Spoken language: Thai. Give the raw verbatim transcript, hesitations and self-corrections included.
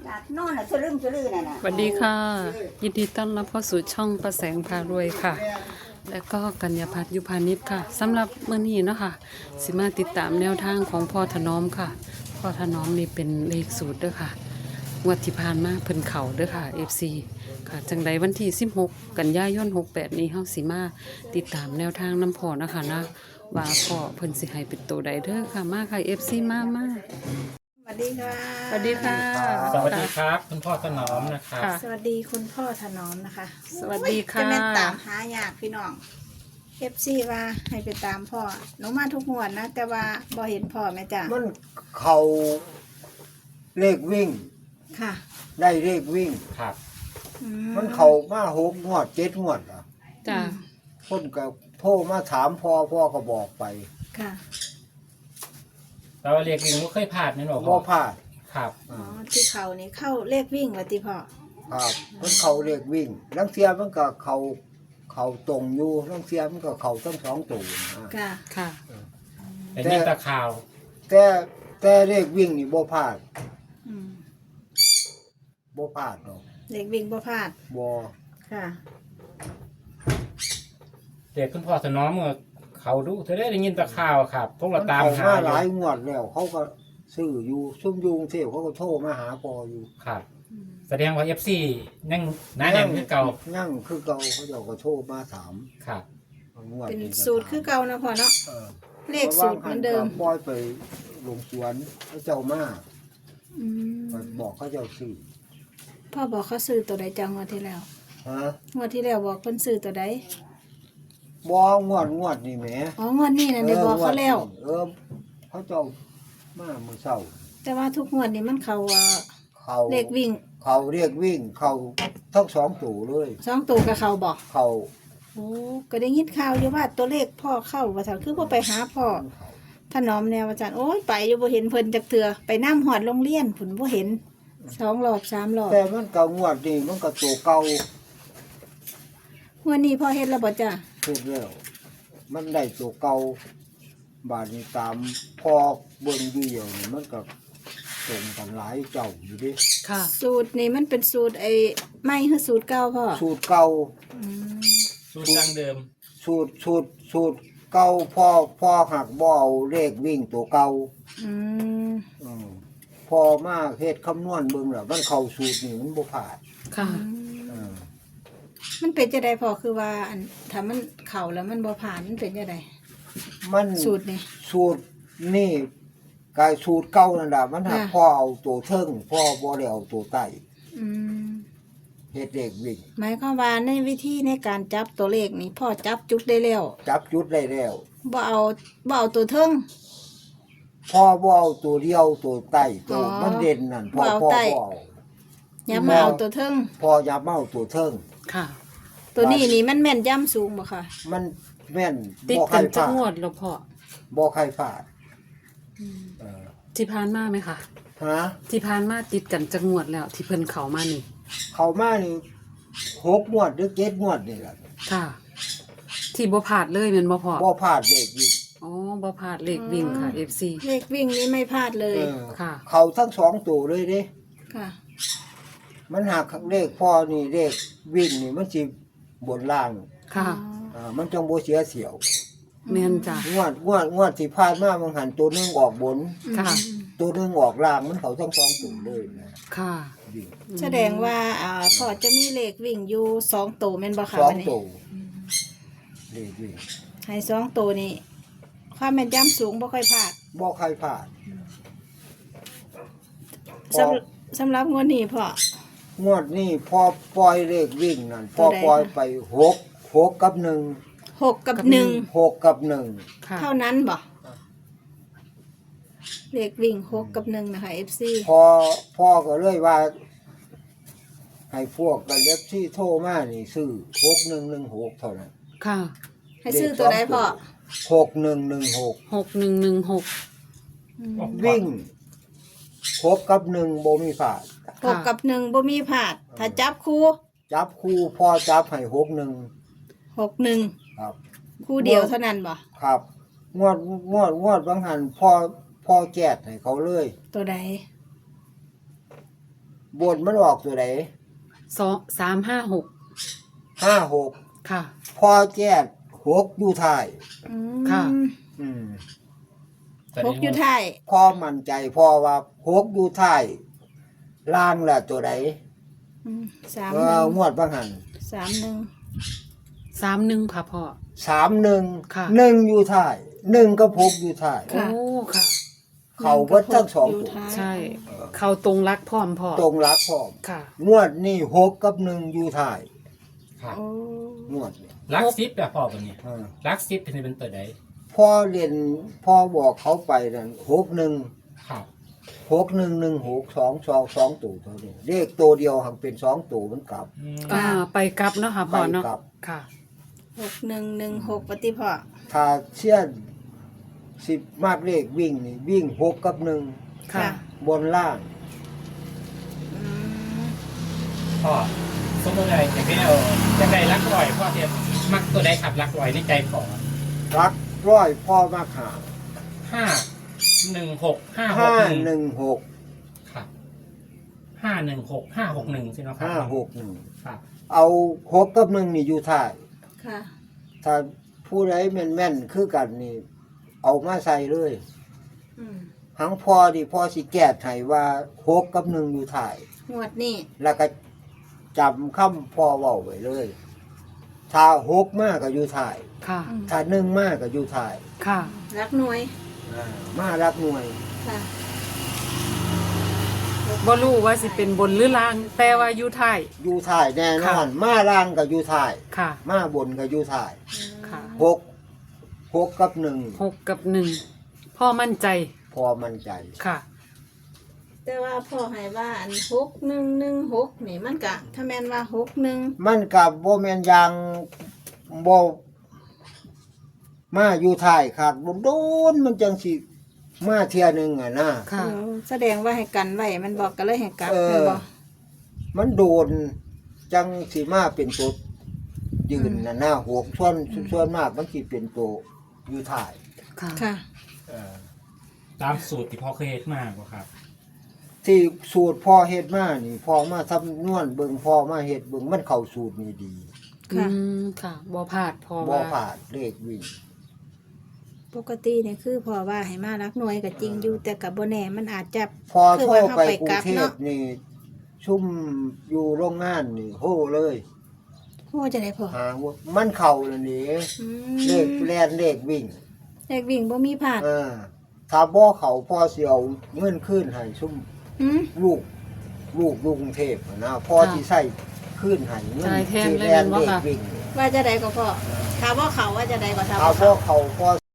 นอนน่ะสลึมสลือน่ะนะสวัสดีค่ะ ยินดีต้อนรับเข้าสู่ช่องประแสงพารวยค่ะ และก็กัญญาพัฒน์ยุพานิชค่ะสำหรับมื้อนี้เนาะค่ะสิมาติดตามแนวทางของพ่อถนอมค่ะพ่อถนอมนี่เป็นเลขสูตรเด้อค่ะงวดที่ผ่านมาเพิ่นเข่าเด้อค่ะ เอฟ ซี ค่ะจังใดวันที่สิบหกกันยายนหกแปดนี้เฮาสิมาติดตามแนวทางน้ำพ่อนะคะนะว่าพ่อเพิ่นสิให้เป็นตัวใดเด้อค่ะมาค่ะ เอฟ ซี มามาสวัสดีค่ะสวัสดีค่ะสวัสดีครับคุณพ่อถนอมนะครับค่ะสวัสดีคุณพ่อถนอมนะคะสวัสดีค่ะจะเป็นตามหายากพี่น้องเอฟซีว่าให้ไปตามพ่อหนูมาทุกงวดนะแต่ว่าบ่เห็นพ่อแม่จ้ะมันเขาเลขวิ่งค่ะได้เลขวิ่งครับอืมันเขามาหกงวดเจ็ดงวดอ่ะจ้าคนก็โทรมาถามพ่อพ่อก็บอกไปค่ะเราเรียกวิ่งว่าเคยผ่านนั่นหรอบ่พลาดครับอ๋อที่เขานี่เข้าเลขวิ่งวัติพ่อครับมันเขาเลขวิ่งลังเทียมันก็เขาเขาตรงอยู่ลังเทียมันก็เขาทั้งสองตัวนะค่ะค่ะเป็นยินตะข่าวแต่แต่เลขวิ่งนี่บ่พลาดอืมบ่พลาดดอกเลขวิ่งบ่พลาดบ่ค่ะเรียกคุณพ่อถนอมเมื่อเขาดูเธอได้ยินตะข่าวครับพวกเรามันตามเขาหามาอหลายยู่งวดแล้ว เขาก็ซื้ออยู่ซุ่มอยุงเทพเขาก็โทรมาหาพ่ออยู่ครับ แสดงว่าเอฟซียังหน้าแน่นคือเก่ายั่งคือเก่าเขาเจ้าก็โทรมาถามครับงวดเป็นก็สูตรถามคือเก่านะพ่อเนาะเออเลขสูตรเหมือนเดิมปล่อยไปลงสวนพระเจ้ามาอืมไปบอกเขาเจ้าซื้อพ่อบอกเขาซื้อตัวใดจังงวดที่แล้วฮะงวดที่แล้วบอกเพิ่นซื้อตัวใดบองวดงวดนี่แหมอ๋องวดนี้น่ะได้บอกเขาแล้วเออเขาเจ้ามาเมื่อเช้าแต่ว่าทุกงวดนี่มันเขาเอ่อเขาเลขวิ่งเขาเรียกวิ่ง เขาทั้งสองตู่เลยสองตัวกับเขาบอกเขาโอ้ก็ได้ยินข่าวอยู่ว่าตัวเลขพ่อเข้าว่าซั่นคือบ่ไปหาพ่อถนอมแนวอาจารย์โอ้ยไปอยู่บ่เห็นเพิ่นจักเทื่อไปนำหอดโรงเรียนผุนบ่เห็นสองรอบสามรอบแต่มันก็งวดนี่มันก็ตัวเก่างวดนี้พ่อเฮ็ดแล้วบ่จ้ะเพิ่นแล้ว มันได้ตัวเก่าบาดนี้ตามพอเบิ่งอยู่เดียวนี่มันก็ตรงกันหลายเจ้าอยู่ดิค่ะสูตรนี่มันเป็นสูตรไอ้ใหม่คือสูตรเก่าพ่อสูตรเก่าอืมสูตรดั้งเดิมสูตรสูตรสูตรเก่าพ่อพ่อหักบ่เอาเลขวิ่งตัวเก่าอืมอืมพอมาเฮ็ดคำนวณเบิ่งแล้วมันเข้าสูตรนี่มันบ่ผ่านค่ะเออมันเป็นจังไดพ่อคือว่าอันถ้ามันเข้าแล้วมันบ่ผ่านมันเป็นจังไดมันสูตรนี่สูตรนี่กายสูตรเก่านั่นล่ะมันหักค่ะพ่อเอาตัวเทิงพ่อบ่ได้เอาตัวใต้อืมเฮ็ดเลขวิ่งหมายความว่าในวิธีในการจับตัวเลขนี่พ่อจับจุดได้แล้วจับจุดได้แล้วบ่เอาบ่เอาตัวเทิงพ่อบ่เอาตัวเดียวตัวใต้ตัวอ๋อมันเด่นนั่นพ่อบ่เอาพ่อใต้บ่เอาอย่ามาเอาตัวเทิงพ่ออย่ามาเอาตัวเทิงค่ะตัวนี้นี่มันแม่นย่ำสูงบ่ค่ะมันแม่นติดบ่ใคกัรนพจัลาก ดงวดแล้วพ่อบ่ใครพลาดเออที่ผ่านมาไหมคะฮะที่ผ่านมาติดกันจักงวดแล้ว ที่เพิ่นเข้ามานี่เข้ามานี่หกงวดหรือเจ็ดงวดนี่ล่ะค่ะ ที่บ่พลาดเลยแม่นบ่พ่อบ่พลาดเลขวิ่งอ๋อบ่พลาดเลขวิ่งค่ะ เอฟ ซีเลขวิ่งนี่ไม่พลาดเลยเออค่ะเขาทั้งสองตัวเลยเด้ค่ะมันหักเลขพ่อนี่เลขวิ่งนี่มันสิบนล่างค่ะอ่ามันจังบ่เสียเสียวแม่นจ้ะงวดงวดงวดที่ผ่านมามันหันตัวหนึงออกบนค่ะตัวหนึงออกล่างมันเขาทั้งสองตัวเลยนะค่ะวิ่งแสดงว่าอ่าพ่อจะมีเลขวิ่งอยู่สองตัวแม่นบ่ค่ะสองวันนี้ตัวเลขวิ่งให้สองตัวนี่ความแม่นย่ำสูงบ่ค่อยพลาดบ่ใครพลาดสำสำหรับงวดนี้พ่องวดนี้พอปล่อยเลขวิ่งนั่นพอตัวใดปล่อยคะไปหกหกกับหนึ่งหกกับหนึ่งหกกับหนึ่งค่ะเท่านั้นบ่เลขวิ่งหกกับหนึ่งนะคะ เอฟ ซีพอพ่อก็เลยว่า ให้พวกกันเล็บที่โทรมานี่ซื้อหกหนึ่งหนึ่งหกเท่านั้นค่ะให้ซื้อตัวใดพ่อหกหนึ่งหนึ่งหกหกหนึ่งหนึ่งหกอืมวิ่งหกกับหนึ่งบ่มีผาดหกกับหนึ่งบ่มีพลาด ถ้าจับคู่จับคู่พ่อจับให้หกหนึ่งหกหนึ่งครับคู่เดียวเท่านั้นบ่ครับ งวดงวดงวดบางหันพ่อพ่อแจกให้เขาเลยตัวใดบบนมันออกตัวไหนสองสามห้าหกห้าหกค่ะพอแจ้หกอยู่ท้ายอืมค่ะอืมพกอยู่ท้ายพอมั่นใจพอว่าหกอยู่ท้ายล่างละตัวไหนอืมสามเอหนึ่อง งวดบางหันสามหนึ่งสามหนึ่งค่ะพ่อสามหนึ่งค่ะหนึ่งอยู่ท้ายหนึ่งก็พกอยู่ท้ายโอ้ค่ะเขาเบิดทั้งสองยู่ตัวท้ายใช่ เขาตรงรักพร้อมพ่อตรงรักพร้อมค่ะงวดนี่หกกับหนึ่งอยู่ท้ายครับโอ้งวดนี่ลักซิปอะพ่อเป็นนี่เออลักซิปเป็นเป็นตัวใดพ่อเรียนพ่อบอกเขาไปนั่นหกหนึ่งครับหกหนึ่งหนึ่งหกสองสองสองตัวเท่านี้เลขตัวเดียวหักเป็นสองตัวมันกลับอืมอ่า ไปกลับเนาะค่ะพ่อเนาะไปกลับค่ะหกหนึ่งหนึ่งหกปฏิพ่อถ้าเชี่ยนสิบมากเลขวิ่งนี่วิ่งหกกับหนึ่งค่ะบนล่างอืมพ่อสมมติอะไรจะได้เอาจะได้ลักลอยพ่อเทียบมักตัวใดขับลักลอยในใจพ่อรักร้อยพ่อมากหาห้าหนึ่งหกห้าหกห้าหนึ่งหนึ่งหกครับห้าหนึ่งหกห้าหกหนึ่งใช่ไหมครับห้าหกหนึ่งครับเอาหกกับหนึ่งนี่อยู่ท้ายค่ะถ้าผู้ใดแม่นแม่นๆคือกันนี่ เอามาใส่เลยอืมหังพอดิพอสิแก้ไขว่าหกกับหนึ่งอยู่ท้ายงวดนี้แล้วก็จำคำพ่อเว้าไว้เลย ถ้าหกมากก็อยู่ท้ายค่ะอืมถ้าหนึ่งมากก็อยู่ท้ายค่ะรักหน่วยอ่ามารักหน่วยค่ะบ่รู้ว่าสิเป็นบนหรือล่าง แต่ว่าอยู่ท้ายอยู่ท้ายแน่นอนค่ะมาล่างก็อยู่ท้ายค่ะมาบนก็อยู่ท้ายค่ะหกหกกับหนึ่งหกกับหนึ่ง พ่อมั่นใจพอมั่นใจค่ะแต่ว่าพ่อให้ว่าอันหกหนึ่งหนึ่งหกนี่มันกะ ถ้าแม่นว่าหกหนึ่งมันกับโบแมนยางโบมาอยู่ท้ายขาดบ่โดนมันจังสิมาเทียหนึงอ่ะนะค่ะเออแสดงว่าให้กันไว้มันบอกกันเลยให้กลับเออแม่นบ่มันโดนจังสิมาเป็นตัวยืนน่ะนะหัวส่วนส่วนมากมันสิเป็นตัวอยู่ท้ายค่ะค่ะเอ่อตามสูตรที่พ่อเคยเฮ็ดมากกว่าครับที่สูตรพ่อเฮ็ดมานี่พ่อมาทำนวนเบิ่งพ่อมาเฮ็ดเบิ่งมันเข้าสูตรนี่ดีค่ะอืม ค่ะ บ่พลาดพอบ่ว่าผ่านเลขวิ่งปกติเนี่ยคือพ่อว่าให้มารักหน่วยก็จริงอยู่แต่กับบ่แน่มันอาจจะพอคือโทรว่าเข้าไปไปกรุกลังบเทพเนาะนี่ชุ่มอยู่โรงงานนี่โหเลยโอ้จะได้พ่อหาว่ามันเข่าเลยนี่อืเลขมแลนเลขวิ่งเลขวิ่งบ่มีพลาดเออถ้าบ่เขาพ่อสิเอาเงินคืนให้ชุ่มอืมลูก ลูกลูกกรุงเทพนะพ่อสิใช้คืนให้เงินจ่ายแทนที่เลยแลนแม่นบ่เลขคะวิ่งว่าจะได้ก็พ่อถามว่าเขาว่าจะได้ก็ถามถ้าว่าบ่เขาเขาพ่อ